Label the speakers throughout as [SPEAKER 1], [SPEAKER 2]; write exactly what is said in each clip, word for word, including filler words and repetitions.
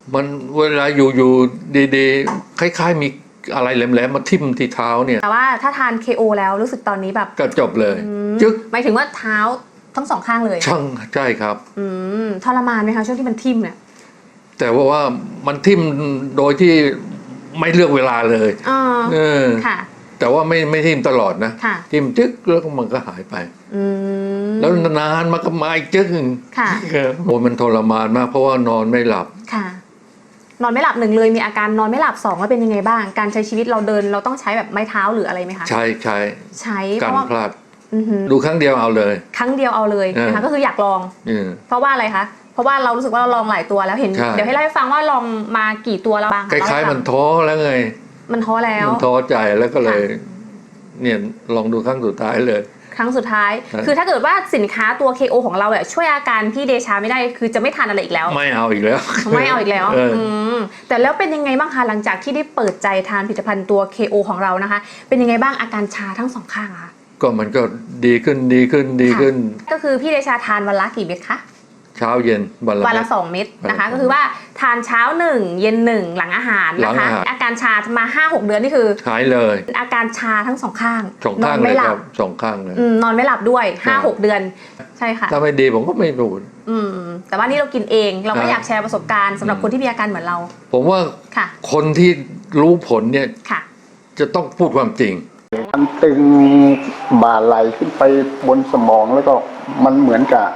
[SPEAKER 1] มันเวลาอยู่อยู่ดีๆคล้ายๆมีอะไรแหลมๆมาทิ่มที่เท้าเนี่ย
[SPEAKER 2] แต่ว่าถ้าทาน เค โอ แล้วรู้สึกตอนนี้แบบ
[SPEAKER 1] ก็จบเลย
[SPEAKER 2] จึ๊กหมายถึงว่าเท้าทั้งสองข้างเลย
[SPEAKER 1] ช่างใช่ครับ
[SPEAKER 2] อืมทรมานไหมคะช่วงที่มันทิ่มเนี่ย
[SPEAKER 1] แต่ว่าว่ามันทิ่มโดยที่ไม่เลือกเวลาเลย
[SPEAKER 2] เออค่ะ
[SPEAKER 1] แต่ว่าไม่ไม่ทิ่มตลอดนะทิ่มจึ๊กแล้วมันก็หายไปแล้วนานมันก็มาอีกจึ๊ก
[SPEAKER 2] ค่ะ
[SPEAKER 1] โอ้มันทรมานมากเพราะว่านอนไม่หลับ
[SPEAKER 2] ค่ะนอนไม่หลับหนึ่งเลยมีอาการนอนไม่หลับสองแล้วเป็นยังไงบ้างการใช้ชีวิตเราเดินเราต้องใช้แบบไม้เท้าหรืออะไรไหมคะ
[SPEAKER 1] ใช่ใช้
[SPEAKER 2] ใช้
[SPEAKER 1] การพลาดดูครั้งเดียวเอาเลย
[SPEAKER 2] ครั้งเดียวเอาเลยนะคะก็คืออยากลองเพราะว่าอะไรคะเพราะว่าเรารู้สึกว่าเราลองหลายตัวแล้วเห็นเดี๋ยวให้เล่าให้ฟังว่าลองมากี่ตัวแล้วบ้าง
[SPEAKER 1] คล้ายๆมันท้อแล้วไง
[SPEAKER 2] มันท้อแล้ว
[SPEAKER 1] มันท้อใจแล้วก็เลยเนี่ยลองดูครั้งสุดท้ายเลย
[SPEAKER 2] ครั้งสุดท้ายคือถ้าเกิดว่าสินค้าตัว เค โอ ของเราแบบช่วยอาการพี่เดชาไม่ได้คือจะไม่ทานอะไรอีกแล้ว
[SPEAKER 1] ไม่เอาอีกแล้ว
[SPEAKER 2] ไม่เอาอีกแล้วแต่แล้วเป็นยังไงบ้างคะหลังจากที่ได้เปิดใจทานผลิตภัณฑ์ตัว เค โอ ของเรานะคะเป็นยังไงบ้างอาการชาทั้งสองข้างคะ
[SPEAKER 1] ก็มันก็ดีขึ้นดีขึ้นดีขึ้น
[SPEAKER 2] ก็คือพี่เดชาทานวันละกี่เม็ดคะ
[SPEAKER 1] เช้าเย็นวันละ
[SPEAKER 2] วันละสองเม็ดนะคะก็คือว่าทานเช้าหนึ่งเย็นหนึ่งหลังอาหารนะคะอาการชามา ห้าหก เดือนนี่คือ
[SPEAKER 1] หายเลย
[SPEAKER 2] อาการชาทั้งสองข้าง
[SPEAKER 1] สองข้างเลยครับสองข้างเลย
[SPEAKER 2] นอนไม่หลับด้วย ห้าหก เดือนใช่ค่ะ
[SPEAKER 1] ถ้าไม่ดีผมก็ไม่พูด
[SPEAKER 2] แต่ว่านี่เรากินเองเราก็อยากแชร์ประสบการณ์สำหรับคนที่มีอาการเหมือนเรา
[SPEAKER 1] ผมว่าคนที่รู้ผลเนี่ยจะต้องพูดความจริง
[SPEAKER 3] มันตึงบ่าไหลขึ้นไปบนสมองแล้วก็มันเหมือนกับ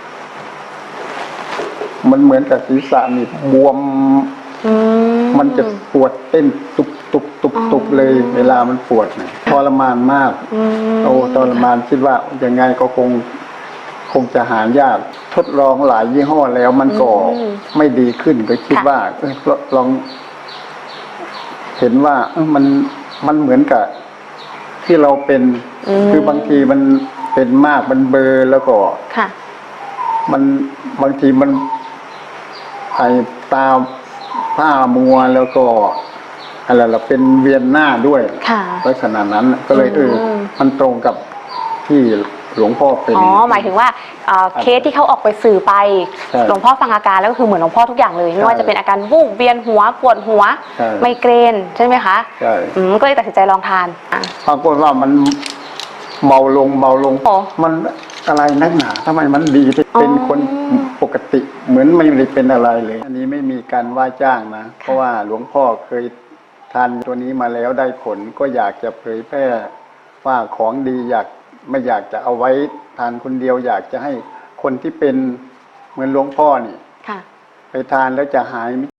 [SPEAKER 3] มันเหมือนกับศีรษะนี่บวมมันจะปวดเต้นตุบตุบตุบตุบเลยเวลามันปวดเนี่ยทรมานมากโอ้ทรมานคิดว่ายังไงก็คงคงจะหายากทดลองหลายยี่ห้อแล้วมันก็ไม่ดีขึ้นก็คิดว่าลองเห็นว่ามันมันเหมือนกับที่เราเป็นคือบางทีมันเป็นมากมันเบลอแล้วก็มันบางทีมันไอตาผ้ามัวแล้วก็อะไรล่ะเป็นเวียนหน้าด้วยลักษณะนั้นก็เลยเออมันตรงกับที่หลวงพ่อเป็น
[SPEAKER 4] อ๋อหมายถึงว่าเคสที่เขาออกไปสื่อไปหลวงพ่อฟังอาการแล้วก็คือเหมือนหลวงพ่อทุกอย่างเลยไม่ว่าจะเป็นอาการวูบเวียนหัวปวดหัวไมเกรนใช่ไหมคะ
[SPEAKER 3] ใช่
[SPEAKER 4] ก็เลยตัดสินใจลองทาน
[SPEAKER 3] ปรากฏว่ามันเบาลงเบาลงมันอะไรนักหนาทำไมมันดีเป็นคนปกติเหมือนไม่ได้เป็นอะไรเลยอันนี้ไม่มีการว่าจ้างนะเพราะว่าหลวงพ่อเคยทานตัวนี้มาแล้วได้ผลก็อยากจะเผยแพร่ว่าของดีอยากไม่อยากจะเอาไว้ทานคนเดียวอยากจะให้คนที่เป็นเหมือนหลวงพ่อนี่ไปทานแล้วจะหาย